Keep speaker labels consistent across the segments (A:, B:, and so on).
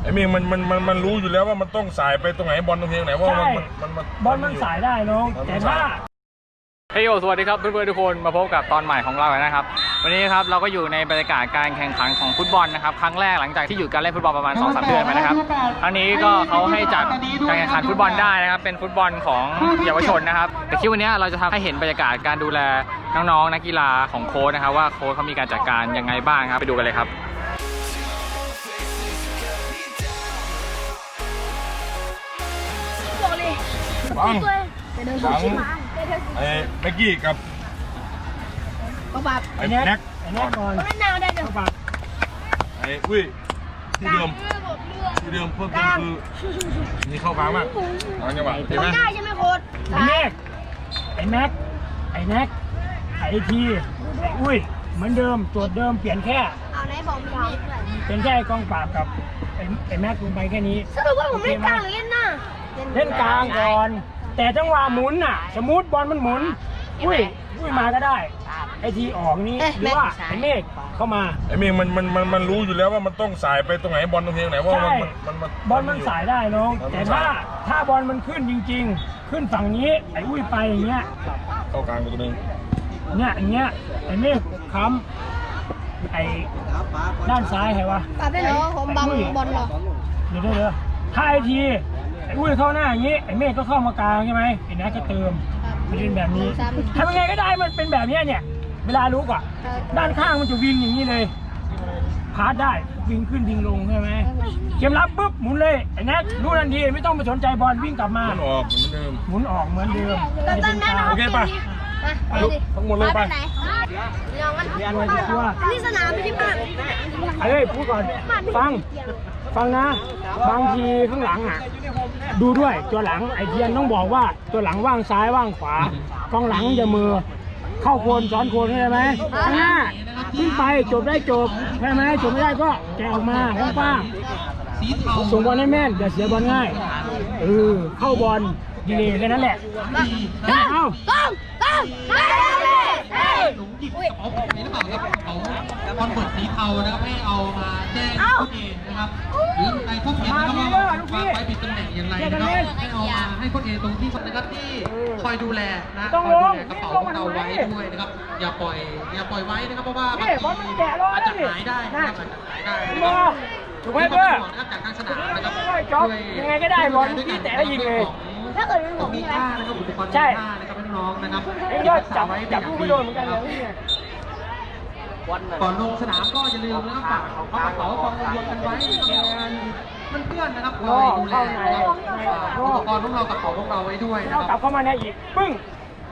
A: ไอ้เมฆมันรู้อยู่แล้วว่ามันต้องสายไปตรงไหนบอลตรงไหนว่า
B: บอลมันสายได้น้องแต่ถ้า
C: เฮ้ยโอสวัสดีครับเพื่อนๆทุกคนมาพบกับตอนใหม่ของเราแล้วนะครับวันนี้ครับเราก็อยู่ในบรรยากาศการแข่งขันของฟุตบอลนะครับครั้งแรกหลังจากที่หยุดการเล่นฟุตบอลประมาณ 2-3 เดือนมานะครับครั้งนี้ก็เขาให้จัดการแข่งขันฟุตบอลได้นะครับเป็นฟุตบอลของเยาวชนนะครับแต่คลิปวันนี้เราจะทำให้เห็นบรรยากาศการดูแลน้องๆนักกีฬาของโค้ชนะครับว่าโค้ชเขามีการจัดการยังไงบ้างครับไปดูกันเลยครับ
A: ฟังไอ้เมกกี้กับไอ้แน็ก
B: ก่อน
A: ไอ้อุ้ยที่เดิมเพิ่มคือนี่เข้ากลางมากจังหวะเห็นไหม
D: ได้ใช่ไหมโค้ช
B: ไอ้แน็กไอ้ทีไอ้อุ้ยเหมือนเดิมตัวเดิมเปลี่ยนแค่
D: เอาไหนบอกมีมีด้วย
B: เปลี่ยนแค่กองปราบกับไอ้แม็กลงไปแค่นี้
D: สรุปว่าผมเล่นกลางหรือเล่นหน้า
B: เล่นกลางก่อนแต่จังหวะหมุนน่ะสมมติบอลมันหมุนอุ้ยมาก็ได้ไอทีออกนี้หรือว่าไอเมฆเข้ามา
A: ไอเมฆมันรู้อยู่แล้วว่ามันต้องสายไปตรงไหนบอลตรงไหนว่า
B: บอลมันสายได้น้องแต่ถ้าบอลมันขึ้นจริงๆขึ้นฝั่งนี้ไออุ้ยไปอย่างเงี้ย
A: เข้ากลางตัวนึง
B: เนี่ยอย่างเงี้ยไอเมฆค้ำไอด้านซ้ายใครวะ
D: ปาเป็นเหรอผมบังบอลเหรอ
B: เดี๋ยวถ้าไอทีไอ้อุ้ยเข้าหน้าอย่างนี้ไอ้เมฆก็เข้ามากลางใช่ไหมไอ้นัทก็เติมมันเป็นแบบนี้ทำยังไงก็ได้มันเป็นแบบนี้เนี่ยเวลาลุกอ่ะด้านข้างมันจะวิ่งอย่างนี้เลยพาสได้วิ่งขึ้นวิ่งลงใช่ไหมเกมรับปุ๊บหมุนเลยไอ้นัทรู้ทันทีไม่ต้องไปสนใจบอลวิ่งกลับมาหมุนออกเหมือนเดิม
A: โอเคป่ะทั้งหมดเลยไป
D: นี่สนามไม่ใช่บ้าน
B: เฮ้ยพูดก่อนฟังนะบางทีข้างหลังอ่ะดูด้วยตัวหลังไอเทียนต้องบอกว่าตัวหลังว่างซ้ายว่างขวากองหลังจะมือเข้าโคนซ้อนโคนใช่ไหมข้างหน้าขึ้นไปจบได้จบใช่ไหมจบไม่ได้ก็แกะออกมาฟ้าส่งบอลให้แม่นอย่าเสียบอลง่ายเข้าบอลดีเลยแค่นั้นแหละเอา
E: หลงหยิบกระเป๋าผมนี้หรือเปล่าครับกระเป๋าคอนเวิร์ตสีเทานะครับให้เอามาแจ้งผู้เองนะครับหรือในพวกเองนะครับว่าวางไว้ผิดตำแหน่งอย่างไรนะครับให้เอามาให้คนเองตรงที่นะครับที่คอยดูแลนะคอยดูแลกระเป๋าของเราไว้ด้วยนะครับอย่าปล่อยไว้นะครับเพราะว่าบางทีอาจจะหายได้นะครับอาจจะหายได้นะครับ
B: ถูกไหมเพื่อน
E: จากทางสนามนะครับ
B: ยังไงก็ได้บอลที่แต่ได้ยิงเลย
D: ถ้าเกิดเป็นผม
E: มีค่านะครับอุปกรณ์มีค่านะครับน้องๆนะครับ
B: จับผู้ไม่โดนเหมือนกันเลย
E: ก่อนลงสนามก็อย่าลืมนะครับฝากเอากระเป๋ากองรวมกันไว้มันเพื่อนนะครับคอยดูแลอุปกรณ์ของเรากระเป๋าของเราไว้ด้วยนะครับ
B: กลับเข้ามาในอีกปึ้ง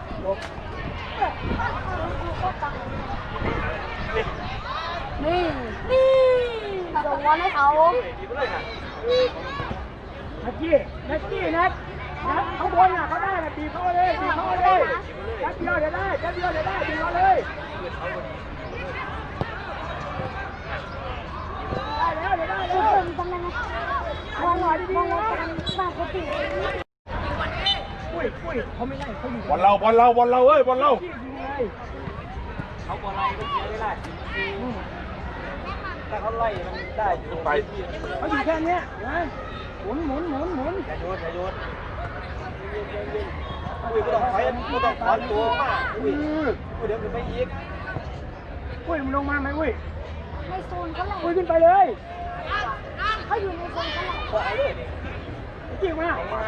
D: นี่ส่งบอลให้เขา
B: นักกี้ข้างบนน่ะเขาได้นะตีเข้าเลยแป๊บเดียวเดี๋ยวได้ตีเขาเลยได้แล้ว
D: ทำไงนะวางหน่อยดีๆนะฝากเขาติด
B: อุ้ยเขาไม่ได้เขาอยู่
A: บอลเราเอ้ยบอลเรา
B: เขาบอลไล่ก็เสียไม่ได้ถ้าเขาไล่มันได้
A: ไป
B: เขาอยู่แค่นี้นะหมุนอย่าโยนอุ้ยก็ต้องถอนตัวมากอุ้ยเดี๋ยวขึ้นไปอีกอุ้ยมันลงมาไหมอุ้ย
D: ในโซนเขาเลย
B: อุ้ยขึ้นไปเลย
D: เขาอยู่ในโซนเขาเลย
B: จริงไหม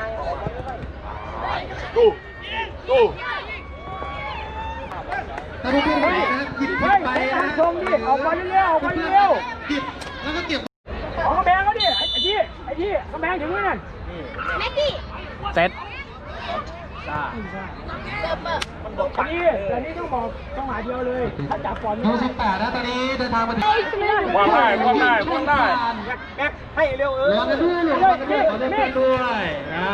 A: ดู
E: ถ้าพวกพี่ไหนนะหยิบไปนะ
B: ชมดิออกมาเร็ว
E: หยิบแล้วก็เก็บ
B: ออกกระแบงเขาดิไอ้ที่กระแบงถึงนั่น
D: แม็กกี้
C: เซ็ต
B: อันนี้ต้องบอกจังหวะเดียวเลยถ้าจับบอล
E: โน้ต18นะตอนนี้เดินทางมาถึง
A: วางได้
B: แม็กให้เร็ว
E: รอกันด้วยขอโทษด้วยนะ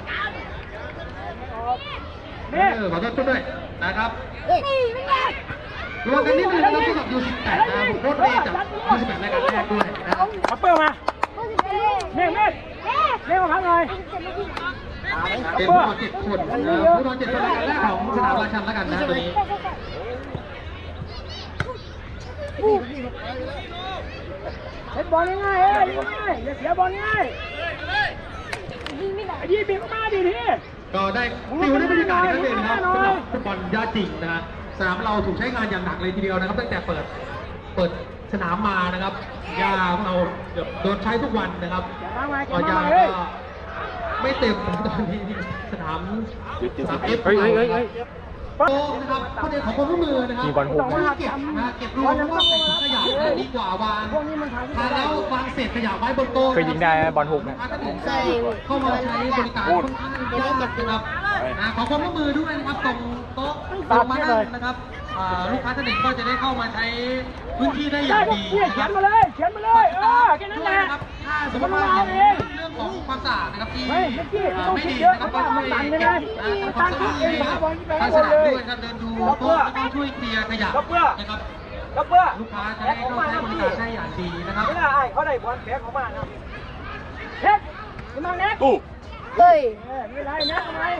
E: ขอโทษด้วยนะครับรวมกันนิดนึงนะครับสำหรับยู18นะผมโค้ชเองจากยู18รายการแรกด้วยนะครับ
B: เอาเปิดมาเมฆมาพักหน่อย
E: เป็นผู้นอน7 คนผู้นอน7 คนรายการแรกของสนามราชันแล้วกันนะตัวนี้
B: เฮ้เป็นบอลง่ายๆง่ายอย่าเสียบอลง่ายยิงไม่ได้ยิงบีบมาดิพี่
E: ก็ได้ฟิวได้บรรยากาศที่นั่นเองนะครับสำหรับฟุตบอลยาจริงนะฮะสนามเราถูกใช้งานอย่างหนักเลยทีเดียวนะครับตั้งแต่เปิดสนามมานะครับยาของเราเกือบโดนใช้ทุกวันนะครับก็ยาก็ไม่เต็มตอนนี้สนามเอฟโอ้นะครับข้อเดียวของความร่วมมือนะครับ
C: มีบอลหุบไหม
E: เก็บนะเก็บรวมว่าใส่ถุงขยะดีกว่าวางทานแล้ววางเศษขยะไว้บนโต๊ะ
C: เคยยิงได้ไหมบอลหุบเนี่ย
E: เข้ามาใช้บริการค่อนข้างยากนะครับขอความร่วมมือด้วยนะครับตรงโต๊ะตรงมานั่งนะครับลูกค้าท่านหนึ่งก็จะได้เข้ามาใช้พื้นที่ได้อย่างดี
B: เขียนมาเลยแค่นั้นแหละ
E: นะครับถ้าสมมติว่าเรื่องของความสะอาดนะครับที่ไม่ดีนะครับก็ช่วยเก็บทำความสะอาดทางสนามด้วยครับเดินดูโต๊ะแล้วก็ช่วยเคลียร์ขยะนะครับลูกค้าจะได้เข้าใช้บริการได้อย่างดีนะครับ
B: ไม่ได้เขาได้บอลแพ้ของบ้านนะเฮ็ดมาเน็ก
A: ตู้
D: เฮ้ย
B: ไม่ได้นะทำไม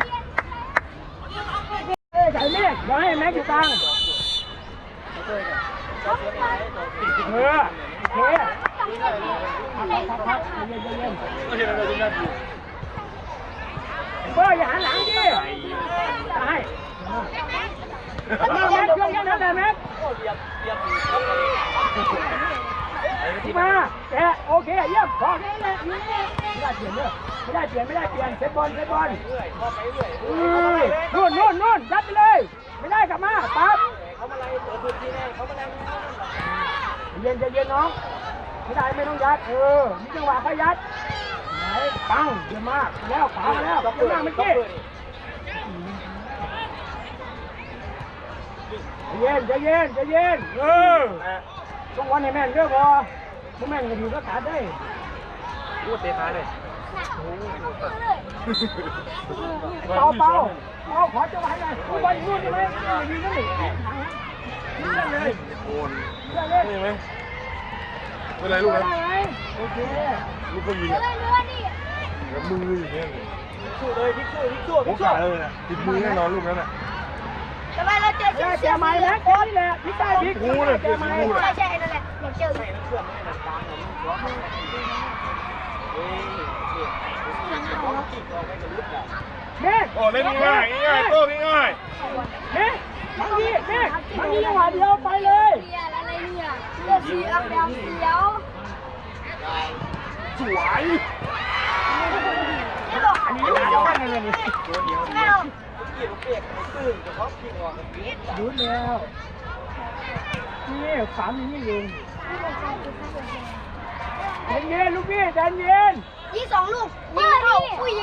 B: ใส่เมฆเดี๋ยวให้แม็กอยู่กลางโอเคพักเย็นเบอร์อย่าหันหลังดิได้แม็กยกยังได้แม็กมาแกโอเคเยี่ยมพอแค่นี้ไม่ได้เปลี่ยนเซตบอลนู่นยัดไปเลยไม่ได้กลับมาปั๊บเย็นน้องไม่ได้ไม่ต้องยัดมีจังหวะค่อยยัดไหนปังเยอะมากแล้วขวามาแล้วเยอะมากเมื่อกี้ใจเย็นต้องวันให้แม่นเยอะพอถ้าแม่นก็ดีก็ขาดได้พูดเตะขาเลยเปล่าขอจะไว้เลยบอลนู่นใช่ไหมยิงนั่นเลย
A: โอนนี่ไหมเป็นไรลูกนะ
B: โอเค
A: ลูกก็ยิง
D: เรือดิ
A: กับมืออย่างเงี้ย
B: สู้เลยพลิกสู้
A: ผมขาเลยนะติดมือแน่นอนลูกนั้นอ่ะ
D: ทำไมเราเจอ
B: แกใหม่แล้วแกนี่แหละพลิกได้พลิกแกใหม่
D: ใช่นั่นแหละอยากเจอ
B: เม็ด
A: โอ้เล่นง่ายโต้ง่าย
B: เม็ดบางทีจังหวะเดียวไปเลย
D: เรียอะไรเนี่ยเลือดสีอักแดงเขียว
A: สวย
D: นี่หรอ
B: อันนี้หาเจ้ากันเลยนี่
D: ไม่หรอก
B: ดูแล้วนี่สามนี่เองเย็นลูกพี่ใจเย็น
D: ยิง2 ลูกยิงเข้าอุ้ย